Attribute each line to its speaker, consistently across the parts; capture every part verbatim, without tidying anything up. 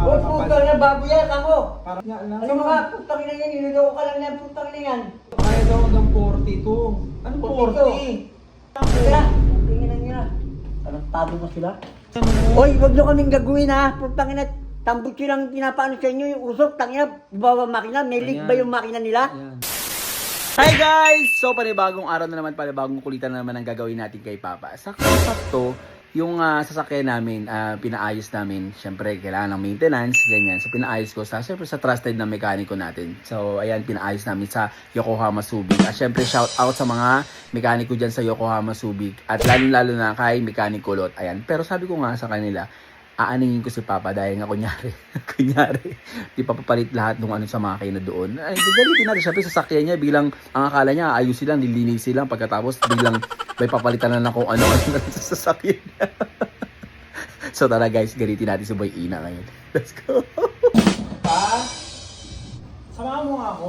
Speaker 1: Huwag puto na baboy yan, kamo.
Speaker 2: Para nga lang.
Speaker 1: Ano mga putang ina yan, niloloko ka lang yan, putang ina yan.
Speaker 2: Kaya daw hanggang forty-two. Ano forty?
Speaker 1: Kaya, tingnan nyo na. Anong tabi mo sila? Hoy, huwag nyo kaming gagawin ha. Putang ina, tambot silang pinapaano sa inyo yung usok. Tangina, bawa makina. May leak ba yung makina nila?
Speaker 2: Ayan.
Speaker 3: Hi guys! So panibagong araw na naman, panibagong kulitan na naman ang gagawin natin kay Papa. Sakto-sakto, yung uh, sasakyan namin, uh, pinaayos namin. Siyempre, kailangan ng maintenance, ganyan. So pinaayos ko sa, siyempre sa trusted na mekaniko natin. So ayan, pinaayos namin sa Yokohama Subic. At siyempre, shout out sa mga mekaniko dyan sa Yokohama Subic. At lalo-lalo na kay Mekaniko Lot. Ayan. Pero sabi ko nga sa kanila, aaningin ko si Papa dahil nga kunyari, kunyari, di pa papalit lahat ng ano sa makina doon. Ay, gagalitin natin. Siyempre, sasakyan niya, bilang, ang akala niya, ayusin lang, nilinisin lang, pagkatapos, bilang, may papalitan na lang kung ano-ano sa sasakyan niya. So, tara guys, galitin natin si Boy Ina ngayon. Let's go!
Speaker 2: Pa? Samahan mo nga ako?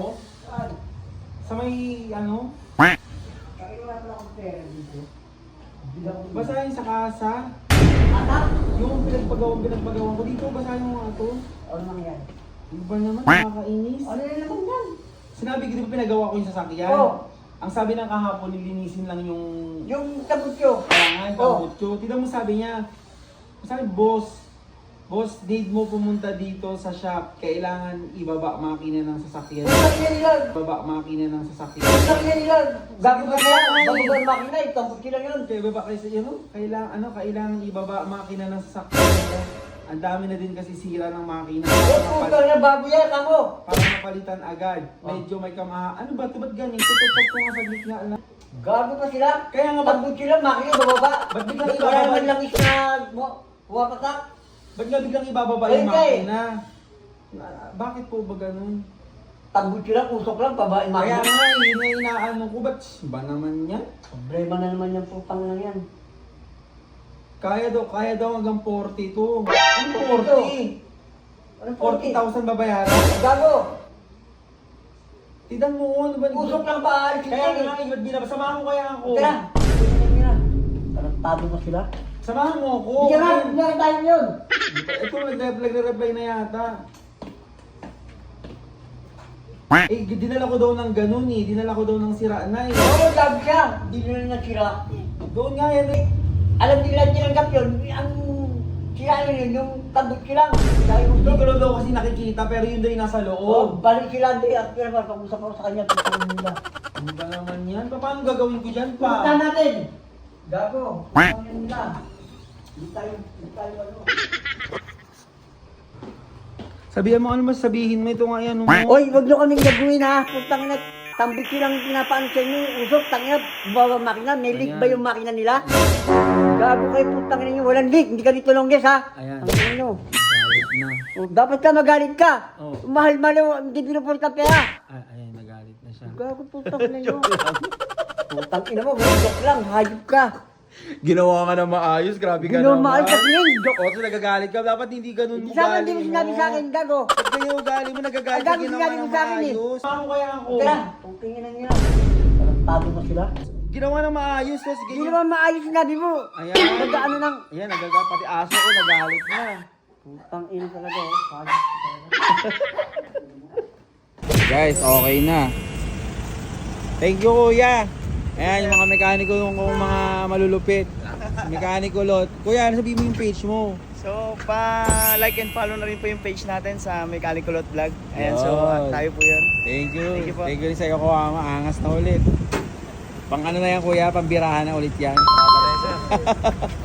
Speaker 2: Sa may, ano?
Speaker 1: Kaya wala pala akong pera dito.
Speaker 2: Basahin sa kasa.
Speaker 1: Atak!
Speaker 2: Yung pinagpagawang pinagpagawang ko dito, basahin mo nga ito.
Speaker 1: Ano nangyari?
Speaker 2: Iba naman, nakakainis.
Speaker 1: Ano na naman yan?
Speaker 2: Sinabi ko, di ba pinagawa ko yung sasakyan?
Speaker 1: Oo.
Speaker 2: Ang sabi ng kahapon, nilinisin lang yung
Speaker 1: Yung tabutyo.
Speaker 2: kailangan,
Speaker 1: Oo.
Speaker 2: kabutyo. Tignan mo sabi niya, sabi, boss, boss, need mo pumunta dito sa shop. Kailangan ibaba makina ng sasakyan.
Speaker 1: Putang ina nila.
Speaker 2: Ibaba makina ng sasakyan.
Speaker 1: Putang ina nila. Gago ka kaya. Bago ba yung makina? Tabutyo lang yun.
Speaker 2: Kaya ibaba kayo sa ano? Kailangan, ano, kailangan ibaba makina ng sasakyan. Ang dami na din kasi sira ng makina.
Speaker 1: Huwag puto na baboy yan, kamo.
Speaker 2: Para mapalitan agad. Medyo may kamaha. Ano ba? Ito ba't ganyan? Tututok ko nga sa gitna lang.
Speaker 1: Gago pa sila.
Speaker 2: Kaya nga, ba't,
Speaker 1: Tabutyo lang, makina bababa.
Speaker 2: ba't biglang
Speaker 1: Wala
Speaker 2: ibababa?
Speaker 1: naman lang isa na huwapatak.
Speaker 2: Ba't nga biglang ibababa
Speaker 1: Ayun
Speaker 2: yung
Speaker 1: ka eh.
Speaker 2: makina? Na- Bakit po ba ganun?
Speaker 1: Tabutyo lang, usok lang, babae
Speaker 2: Kaya
Speaker 1: makina.
Speaker 2: nga, yun na inaano ko. Ba't ba naman yan?
Speaker 1: Problema na naman yung putang lang yan.
Speaker 2: Kaya daw, kaya daw hanggang forty-two.
Speaker 1: Ano
Speaker 2: forty?
Speaker 1: Anong
Speaker 2: forty
Speaker 1: forty?
Speaker 2: thousand babayaran?
Speaker 1: Gago.
Speaker 2: Tidan mo, ano ba?
Speaker 1: Usok lang ba? Alis
Speaker 2: Kaya
Speaker 1: yan
Speaker 2: nga,
Speaker 1: eh.
Speaker 2: iba't binaba. Samahan mo kaya ako.
Speaker 1: Tara. Tingnan nyo na. Parang tabi mo sila.
Speaker 2: Samahan mo ako.
Speaker 1: Hindi ka nga, hindi na tayo yun.
Speaker 2: Ito, nagre-reply na yata. Eh, dinala ko daw ng ganun eh. Dinala ko daw ng sira na eh.
Speaker 1: Oo, sabi siya. Hindi nyo na nasira.
Speaker 2: Doon nga yan eh.
Speaker 1: Alam nila tinanggap yun. Ang sira yun, yung tabutyo lang. Dahil
Speaker 2: Hindi
Speaker 1: usok.
Speaker 2: ko lang daw kasi nakikita pero yun daw yung nasa
Speaker 1: Oh,
Speaker 2: loob.
Speaker 1: balik sila. Hindi, at pero pag-usap ako sa kanya, tutulong nila.
Speaker 2: Ano ba naman yan? Pa- Paano gagawin ko dyan
Speaker 1: Punta
Speaker 2: pa?
Speaker 1: natin. Gago. Ano nila? Hindi tayo, hindi tayo ano.
Speaker 2: Sabihan mo ano mas sabihin mo ito nga yan. Oh.
Speaker 1: Hoy, wag nyo kaming gagawin ha. Putang ina, tambit silang pinapaano sa inyo yung usok. Tangina, bawa makina. May leak ba yung makina nila? Gago kayo, putang ina nyo. Walang leak. Hindi ka dito longges ha.
Speaker 2: Ayan.
Speaker 1: Ang ina nyo.
Speaker 2: Galit na.
Speaker 1: Oh, dapat ka magalit ka.
Speaker 2: Oh.
Speaker 1: Mahal-mahal, hindi binupol ka pera.
Speaker 2: Ay, ayan, nagalit na siya.
Speaker 1: Gago, putang ina nyo. Putang ina mo, joke lang. Hayop ka.
Speaker 2: Ginawa ka na maayos, grabe ka
Speaker 1: Ginawa
Speaker 2: naman.
Speaker 1: maayos kasi yun, joke.
Speaker 2: O, so nagagalit ka, dapat hindi ganun
Speaker 1: Hindi sa akin, hindi mo sinabi sa akin, gago.
Speaker 2: Ba't ganyan ugali mo, nagagalit
Speaker 1: Ang
Speaker 2: ka,
Speaker 1: gago
Speaker 2: ginawa
Speaker 1: sinabi
Speaker 2: na
Speaker 1: mo sa akin eh.
Speaker 2: maayos. Paano kaya ako?
Speaker 1: Tara, putang ina nyo. Parang tabi mo sila.
Speaker 2: Ginawa na maayos, so sige.
Speaker 1: Hindi naman maayos sinabi mo.
Speaker 2: Ayan.
Speaker 1: Nag-ano nang...
Speaker 2: Ayan, nagagalit, pati aso ko, nagalit na.
Speaker 1: Putang ina talaga oh. Hayop talaga.
Speaker 2: Guys, okay na. Thank you, kuya. Ayan, yung mga mekaniko, yung mga malulupit. Mekaniko Lot. Kuya, ano sabihin mo yung page mo?
Speaker 4: So, pa-like and follow na rin po yung page natin sa Mekaniko Lot Vlog. Ayan, so
Speaker 2: Yun.
Speaker 4: tayo po yun.
Speaker 2: Thank you.
Speaker 4: Thank you po.
Speaker 2: Thank you rin sa iyo, Kuwama. Angas na ulit. Pang ano na yan, kuya, pambirahan na ulit yan.
Speaker 4: Tama rin, sir.